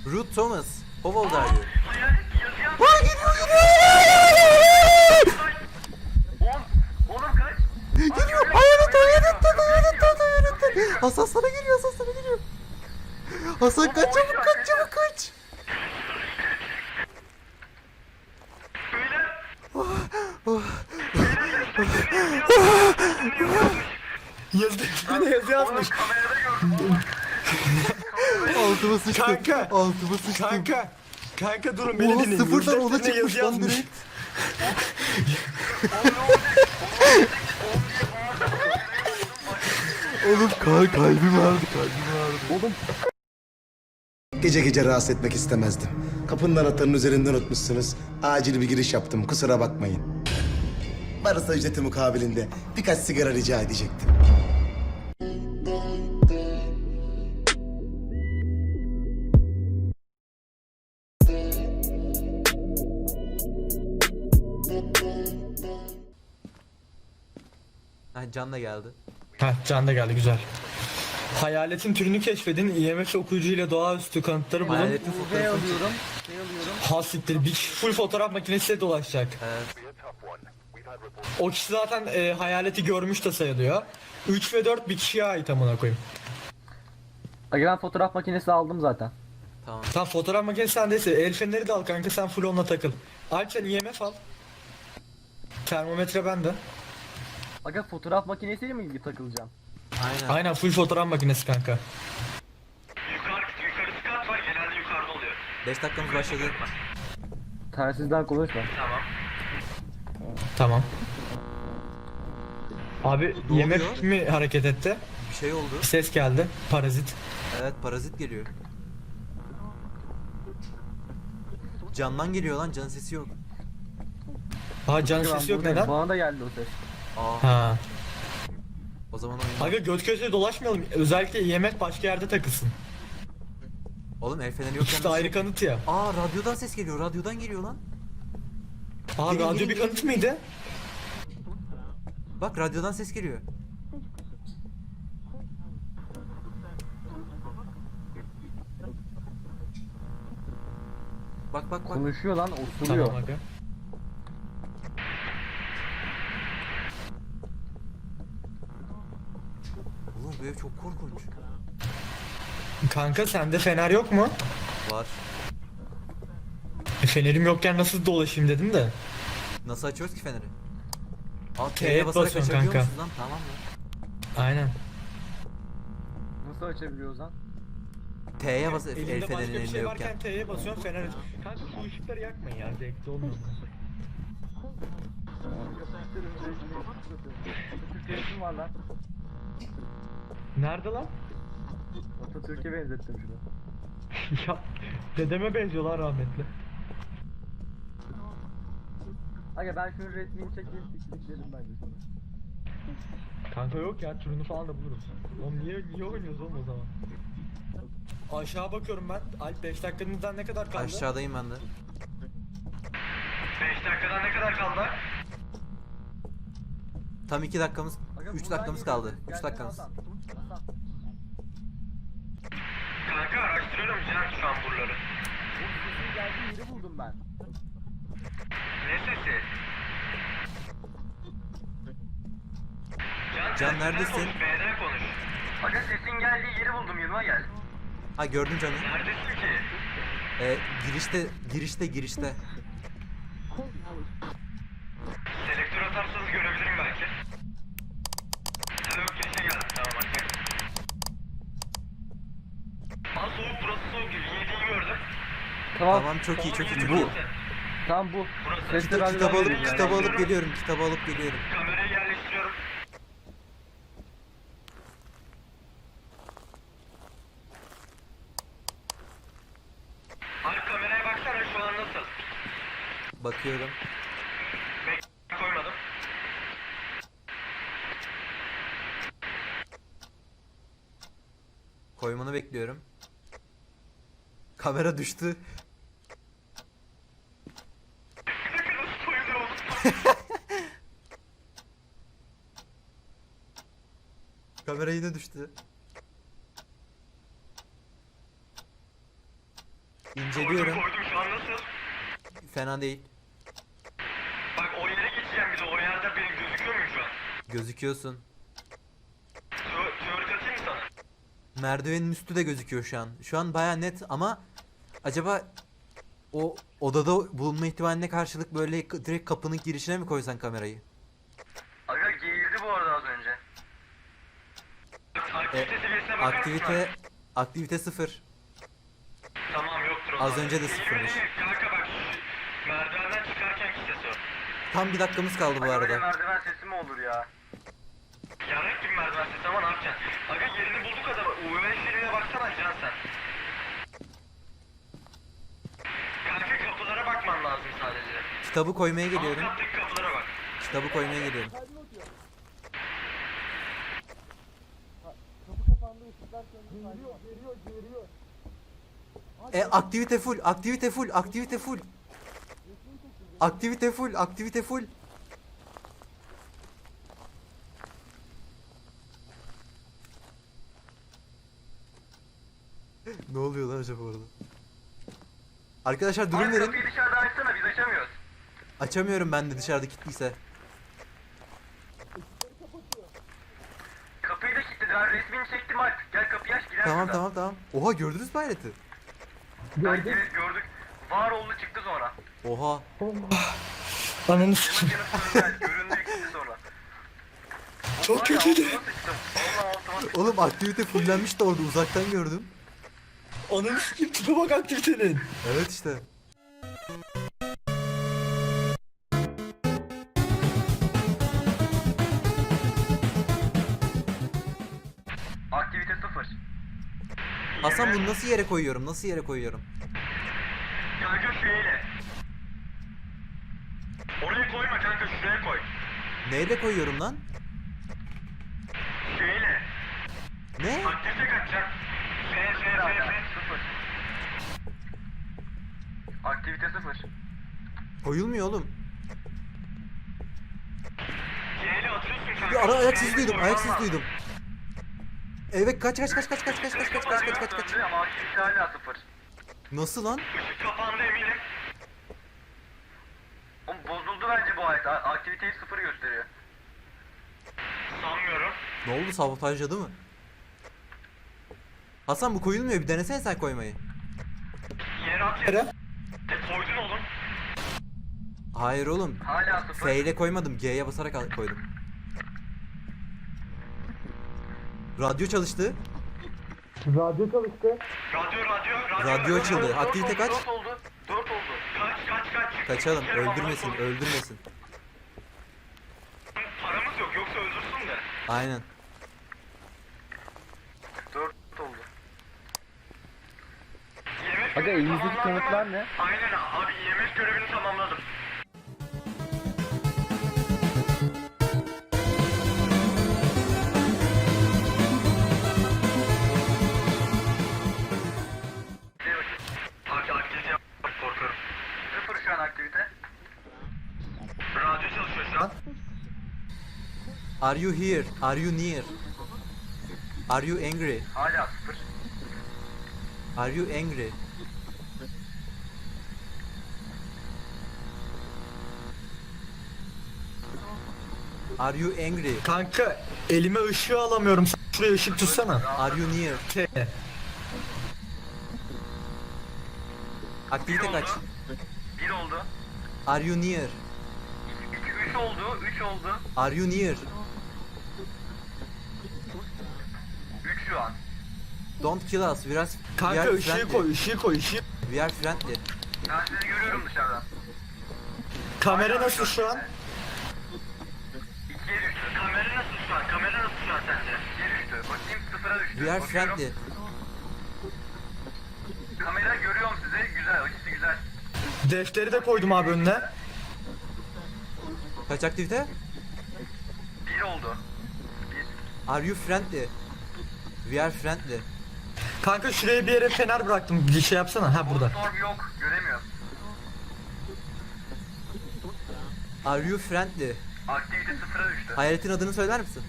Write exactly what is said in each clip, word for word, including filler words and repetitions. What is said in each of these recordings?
Ruth Thomas. How old are you? Aa, geliyor geliyor. Oğlum kaç. Geliyor. Hayalet hayalet hayalet hayalet. Hasan sana geliyor, Hasan sana geliyor. Hasan kaç çabuk kaç çabuk kaç. Yazdı. Bir de yazı yazmış. Altıma sıçtım. Kanka. Altıma sıçtım. Kanka. Kanka durun beni Oha dinleyin. sıfırdan Yazı ona defterine çıkmış yazı lan yazmış. direkt. Oğlum kal kalbim ağrıdı kalbim ağrıdı. Oğlum. Gece gece rahatsız etmek istemezdim. Kapının anahtarını üzerinden unutmuşsunuz. Acil bir giriş yaptım, kusura bakmayın. Varsa ücreti mukabilinde birkaç sigara rica edecektim. Ha, Can da geldi. Heh, Can da geldi, güzel. Hayaletin türünü keşfedin. I M F okuyucuyla doğaüstü kanıtları bulun. Hayaletin fotoğrafını alıyorum. Şey alıyorum. Hasittir. Bir kişi full fotoğraf makinesiyle dolaşacak. Evet. O kişi zaten e, hayaleti görmüş de sayılıyor. üç ve dört bir kişiye ait amına koyayım. Aga ben fotoğraf makinesi aldım zaten. Tamam. Tamam, fotoğraf makinesi sendeyse el feneri de al kanka, sen full onunla takıl. Alp sen I M F al. Termometre bende. Aga fotoğraf makinesiyle mi ilgili takılacağım? Aynen. Aynen full fotoğraf makinesi kanka. Yukarı, yukarısı kat var, genelde yukarıda oluyor. beş dakikamız başladı. Tersizden konuşma. Tamam. Tamam. Abi Ne I M oluyor? F mi hareket etti? Bir şey oldu. Ses geldi. Parazit. Evet, parazit geliyor. Candan geliyor lan, can sesi yok. Aa, can Aga, ben sesi yok, buradayım. neden? Bana da geldi o ses. Aa, Ha. o zaman oyun. Aga göt köşeye dolaşmayalım. Özellikle I M F başka yerde takılsın. Oğlum el feneri yokken İşte nasıl- ayrı kanıt ya. Aa, radyodan ses geliyor. Radyodan geliyor lan. Aa, Gelin, radyo gelin, bir gelin, kanıt gelin. mıydı? Bak, radyodan ses geliyor. Bak bak bak. Konuşuyor lan, osuruyor. Tamam aga. Oğlum bu ev çok korkunç. Kanka sende fener yok mu? Var. E, fenerim yokken nasıl dolaşayım dedim de. Nasıl açıyoruz ki feneri? Aa, T'ye T'ye basarak basıyorsun açabiliyor kanka. musunuz lan? Tamam mı? Aynen. Nasıl açabiliyoruz lan? T'ye bas el Elinde başka fenerin bir elinde şey yokken. varken T'ye basıyorsun, fener aç. Kanka şu ışıkları yakmayın ya, zevkli olmuyor. Atatürk'e resim var lan. Nerede lan? Atatürk'e benzettim şunu. Ya dedeme benziyorlar rahmetli. Aga ben şunun resmini çekeyim, tiktiklerim bence sana. Kanka yok ya, türünü falan da buluruz. Oğlum niye niye oynuyoruz oğlum o zaman? Aşağı bakıyorum ben. Alp beş dakikanızdan ne kadar kaldı? Aşağıdayım ben de. beş dakikadan ne kadar kaldı? Tam iki dakikamız, Aga, üç buradan dakikamız geliyor. kaldı. üç Gelsene dakikamız. Hasan. Hasan. Kanka araştırıyorum Can şu an buraları. O sesin geldiği yeri buldum ben. Ne sesi? Can, Can, sen neredesin? Konuş, B'den konuş. Aga sesin geldiği yeri buldum, yanıma gel. Ha, gördüm canım. Neredesin ki? Ee, girişte, girişte, girişte. Selektör atarsanız görebilirim belki. Ha yok, girişe geldim, tamam hadi. Aa, soğuk, burası soğuk gibi, yediğini gördüm. Tamam. Tamam, çok iyi, çok iyi, çok Bu. iyi. Tamam bu. Burası. Sesli Kita- radyodan Kitabı alıp, geliyor. kitabı alıp geliyorum, kitabı alıp geliyorum. Kamerayı yerleştiriyorum. Abi kameraya baksana, şu an nasıl? Bakıyorum. Bek koymadım. Koymanı bekliyorum. Kamera düştü. Bir dakika, nasıl koyuluyor oğlum? Kamera yine düştü. İnceliyorum. Koydum koydum şu an nasıl? Fena değil. Bak o yere geçeceğim bir de o yerde benim gözüküyor muyum şu an? Gözüküyorsun. Teo- Teorik atayım mı sana? Merdivenin üstü de gözüküyor şu an. Şu an baya net ama acaba o odada bulunma ihtimaline karşılık böyle k- direkt kapının girişine mi koysan kamerayı? Aga geğirdi bu arada az önce. Aktivite E, seviyesine bakar mısın? aktivite aktivite sıfır. Tamam yoktur o Az zaman. önce de Geğirme sıfırmış. değil, kanka bak şu merdivenden çıkarken ki ses o. Tam bir dakikamız kaldı bu Aga öyle arada. merdiven sesi mi olur ya? Yarrak gibi merdiven sesi ama ne yapacaksın? Aga yerini bulduk adamı. U V filmine baksana Can sen. Kanka kapılara bakman lazım sadece. Kitabı koymaya geliyorum. Alt kattaki kapılara bak. Kitabı koymaya geliyorum. E aktivite full, aktivite full, aktivite full. Aktivite full, aktivite full. Ne oluyor lan acaba orada? Arkadaşlar durum Abi verin. kapıyı dışarıda açsana biz açamıyoruz. Açamıyorum ben de dışarıda kilitliyse. Kapıyı da kilitledi. Ben resmini çektim Alp. Gel kapıyı aç gider Tamam şuradan. tamam tamam. Oha gördünüz mü hayreti? Gördük. Evet gördük. Var oldu çıktı sonra. Oha. Ananı sikeyim. Yanıp yanıp göründü göründü gitti sonra. Çok Var ya, kötüydü. altıma sıçtım. Vallahi altıma sıçtım. Oğlum aktivite fullenmiş de orada uzaktan gördüm. Ananı sikeyim. Tipe bak aktivitenin. Evet işte. Aktivite sıfır. Hasan bunu nasıl yere koyuyorum? Nasıl yere koyuyorum? Kanka şöyle. Oraya koyma kanka şuraya koy. Neyle koyuyorum lan? Şöyle. Ne? Aktivite kaçacak. F F F F sıfır. Aktivite sıfır. Koyulmuyor oğlum. Y'yle atıyorsun kanka. Bir ara ayak sesi Y'yle duydum, koyman ayak sesi lazım. duydum. Evet kaç kaç kaç kaç kaç kaç kaç kaç kaç kaç kaç kaç. Döndü ama aktivite hala sıfır. Nasıl lan? Işık kapandı eminim. Oğlum bozuldu bence bu ayet. A- Aktiviteyi sıfır gösteriyor. Sanmıyorum. Ne oldu, sabotajladı mı? Hasan bu koyulmuyor, bir denesene sen koymayı. Yere at yere. E, koydun oğlum. Hayır oğlum. Hala sıfır. F ile koymadım, G'ye basarak al- koydum. Radyo çalıştı. Radyo çalıştı. Radyo radyo radyo. Radyo açıldı. Dört Aktivite oldu, kaç? Dört oldu. Dört oldu. Kaç kaç kaç. Kaçalım, Bir kere öldürmesin, bana sor. öldürmesin. Paramız yok yoksa öldürsün de. Aynen. Dört oldu. Yemek Aga görevini elinizdeki tamamladın kanıtlar mı? ne? Aynen abi yemek görevini tamamladım. Abi aktivite yap, korkuyorum. Sıfır şu an aktivite. Radyo çalışıyor şu an. Are you here? Are you near? Are you angry? Hala sıfır. Are you angry? Are you angry? Kanka elime ışığı alamıyorum. Şuraya ışık tutsana. Are you near? Şey, Aktivite Bir kaç? oldu. Bir oldu. Are you near? İki, üç oldu. Üç oldu. Are you near? Üç şu an. Don't kill us. We are, we kanka are ışığı friendly. koy, ışığı koy, ışığı. We are friendly. Ben sizi görüyorum dışarıdan. Kamera nasıl şu an? İkiye düştü. Kamera nasıl şu an? Kamera nasıl şu an sence? İkiye düştü. Bakayım sıfıra düştü. We are Bakıyorum. friendly. Kamera görüyorum sizi. Güzel. Açısı güzel. Defteri de koydum abi önüne. Kaç aktivite? Bir oldu. Bir. Are you friendly? We are friendly. Kanka şuraya bir yere fener bıraktım. Bir şey yapsana. Ha burada. Orb yok. Göremiyorum. Are you friendly? Aktivite sıfıra düştü. Hayaletin adını söyler misin?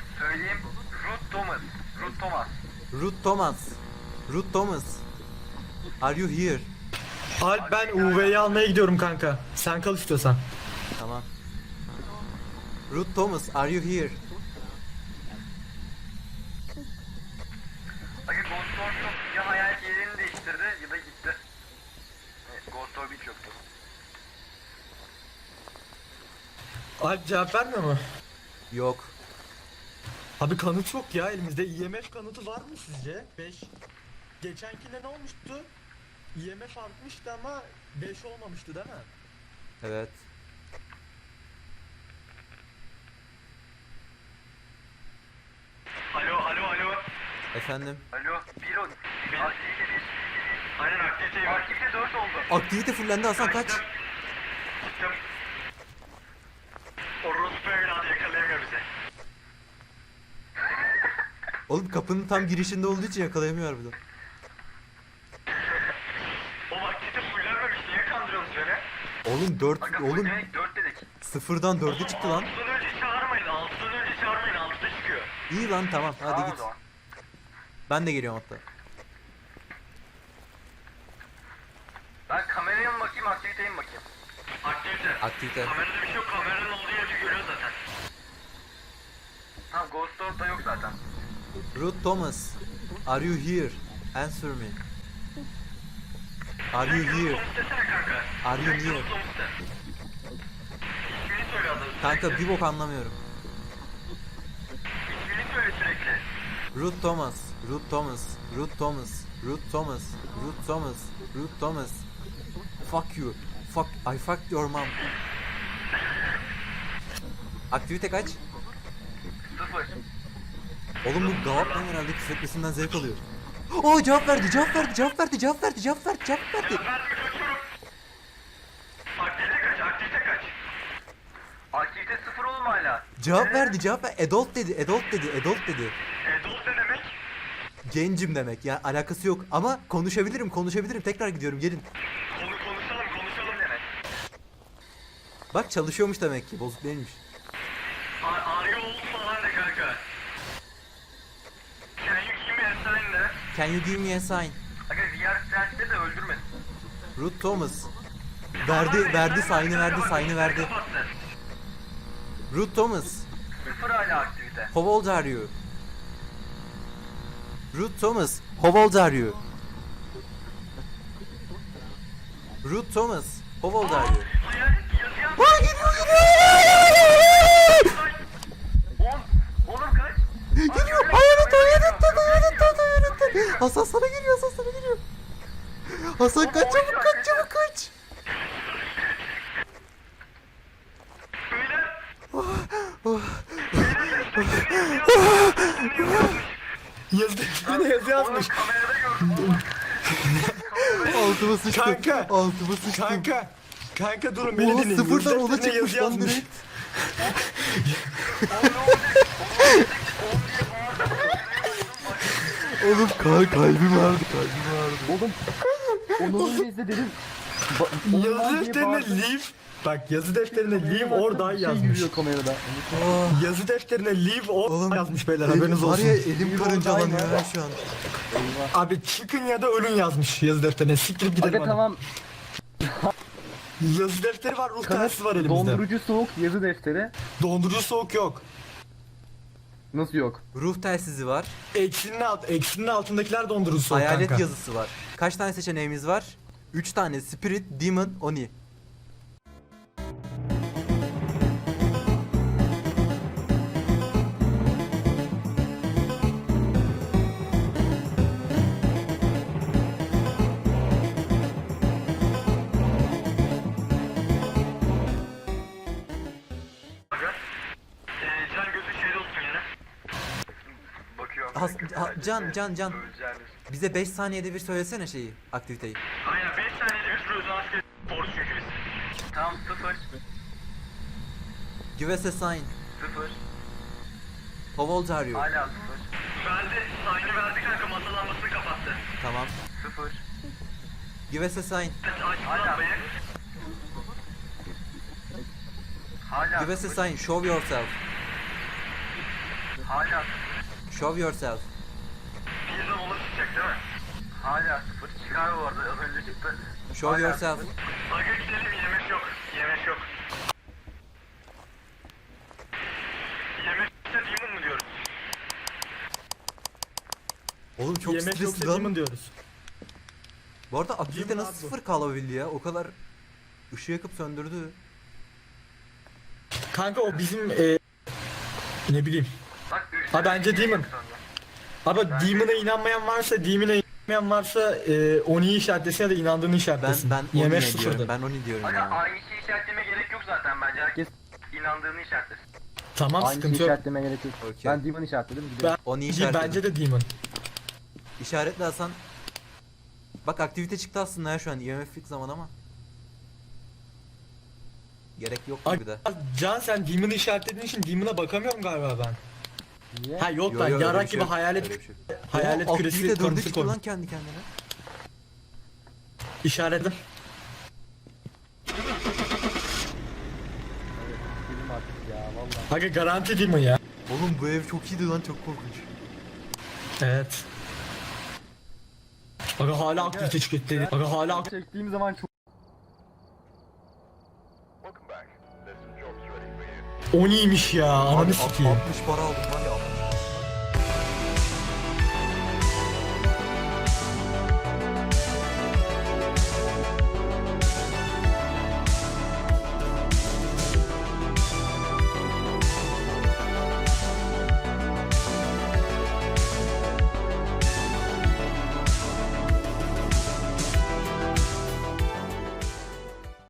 Söyleyeyim. Ruth Thomas. Ruth Thomas. Ruth Thomas. Ruth Thomas. Are you here? Alp ben U V'yi almaya gidiyorum kanka. Sen kal istiyorsan. Tamam. Ruth Thomas, are you here? Aga Ghost Orb yok. Ya hayalet yerini değiştirdi ya da gitti. Evet, Ghost Orb hiç yoktu. Alp cevap vermiyor mu? Yok. Abi kanıt yok ya elimizde. I M F kanıtı var mı sizce? beş. Geçenkinde ne olmuştu? I M F artmıştı ama beş olmamıştı değil mi? Evet. Alo alo alo. Efendim. Alo. Bir o. Aktivite bir. Aynen aktivite yok. Aktivite dört oldu. Aktivite fullendi Hasan kaç. Çıktım. Çıktım. Orospu evladı yakalayamıyor bizi. Oğlum kapının tam girişinde olduğu için yakalayamıyor harbiden. O aktivite fullenmemiş. Niye kandırıyorsunuz beni? Oğlum dört, Aga oğlum fullemek dört dedik. sıfırdan dörde çıktı lan. altıdan önce çağırmayın. altıdan önce çağırmayın. altıda çıkıyor. İyi lan tamam hadi Tamam o git. zaman. Ben de geliyorum hatta. Ben kameraya mı bakayım, aktiviteye mi bakayım? Aktivite. Aktivite. Kamerada bir şey yok, kameranın olduğu yeri görüyor zaten. Ha, Ghost Orb da yok zaten. Ruth Thomas, are you here? Answer me. Are you here? Thomas desene kanka. Are you Direkt here? Ruth Thomas de. İsmini söyle adamın. Kanka bir bok anlamıyorum. İsmini söyle sürekli. Ruth Thomas, Ruth Thomas, Ruth Thomas, Ruth Thomas, Ruth Thomas, Ruth Thomas. Fuck you. Fuck, I fucked your mom. Aktivite kaç? Sıfır. Oğlum bu Gavap'tan herhalde küfretmesinden zevk alıyor. Oo cevap verdi, cevap verdi, cevap verdi, cevap verdi, cevap verdi, cevap verdi. Ya ben mi kaçıyorum? Aktivite kaç, aktivite kaç? Aktivite sıfır oğlum hala. Cevap verdi, cevap verdi. Adult dedi, adult dedi, adult dedi. Adult ne demek? Gencim demek ya alakası yok ama konuşabilirim, konuşabilirim. Tekrar gidiyorum, gelin. Konu konuşalım, konuşalım demek. Bak çalışıyormuş demek ki, bozuk değilmiş. Ar arıyor oğlum falan de kanka. Can you give me a sign de? Can you give me a sign? Aga V R Strength'te de öldürmedin. Ruth Thomas. Verdi, verdi, sign'ı verdi, sign'ı verdi. Kapattı. Ruth Thomas. Sıfır hala aktivite. How old are you? Ruth Thomas. How old are you? Ruth Thomas. How old are you? Hayalet yazı yaz. Aa geliyor geliyor. On. Oğlum kaç. Geliyor. Hayalet hayalet dedi hayalet dedi hayalet dedi. Hasan sana geliyor Hasan sana geliyor. Hasan kaç çabuk kaç çabuk kaç. Yazı defterine yazı yazmış. Kamerada gördüm. Altıma sıçtım. Kanka. Altıma sıçtım. Kanka. Kanka durun beni Oha dinleyin. sıfırdan Yazı ona defterine çıkmış yazı lan yazmış. direkt. Oğlum kal kalbim ağrıdı kalbim ağrıdı. Onur'un bizde dedim. Yazı defterine leave. Bak yazı defterine leave or die Şey yazmış. yürüyor kamerada. Oh, Yazı defterine leave or Oğlum, yazmış beyler elim- haberiniz var olsun. ya elim karıncalanıyor ya şu an. Abi çıkın ya da ölün yazmış yazı defterine. Siktirip gidelim Aga hadi. tamam. Yazı defteri var, ruh Kanıt, telsizi var elimizde. dondurucu soğuk yazı defteri. Dondurucu soğuk yok. Nasıl yok? Ruh telsizi var. Eksinin alt, eksinin altındakiler dondurucu soğuk Hayalet kanka. yazısı var. Kaç tane seçeneğimiz var? üç tane Spirit, Demon, Oni. Aga. Ee, can gözü şeyde olsun yine. Bakıyorum. Has- ha- Can, Can, Can. Öleceğiniz. Bize beş saniyede bir söylesene şeyi, aktiviteyi. Aynen beş saniyede bir sürü asker borç çünkü biz. Tamam sıfır. Give us a sign. Sıfır. How old are you? Hala sıfır. Verdi. Sign'ı verdi kanka masa lambasını kapattı. Tamam. Sıfır. Give us a sign. Açtı lambayı. Hala Give us a sıfır. sign. Show yourself. Hala sıfır. Show yourself. Birden ona çıkacak değil mi? Hala sıfır. Çıkar bu arada. Az önce çıktı. Show yourself. Aga gidelim. Yemek yok. Yemek yok. Yemekte demon mu diyoruz? Oğlum çok Yemek stresli yoksa lan. demon diyoruz. Bu arada aktivite Demon nasıl abi bu. sıfır kalabildi ya? O kadar ışığı yakıp söndürdü. Kanka o bizim e, ne bileyim. Bak üç. Ha bence demon. Abi Demon'a inanmayan varsa, Demon'a inanmayan varsa e, Oni'yi işaretlesin ya da inandığını Ben işaretlesin. ben Yemek onu diyorum. sıfırdı. Ben onu diyorum Aga ya. aynı şeyi işaretleme gerek yok zaten bence. Herkes inandığını işaretlesin. Tamam Aynı şeyi sıkıntı yok. işaretleme gerek yok. Okey. Ben Demon işaretledim. Gidelim. Ben, Onu işaretledim. bence de Demon. İşaretli Hasan. Bak aktivite çıktı aslında ya şu an. I M F'lik zaman ama. Gerek yok gibi de. Can sen Demon'ı işaretlediğin için Demon'a bakamıyorum galiba ben. Niye? Ha yok Yo, lan yo, öyle yarak bir şey gibi yok. hayalet Öyle bir şey yok. hayalet Oha, küresi aktivite dörde konusu çıktı koy. lan kendi kendine. İşaretledim. Gidelim artık ya vallahi. Aga garanti Demon ya. Oğlum bu ev çok iyiydi lan, çok korkunç. Evet. Aga hala aktivite çıktı. Aga hala ak- Çektiğim zaman çok Oni'ymiş ya. Ananı Abi, sikeyim. altmış para aldım var ya.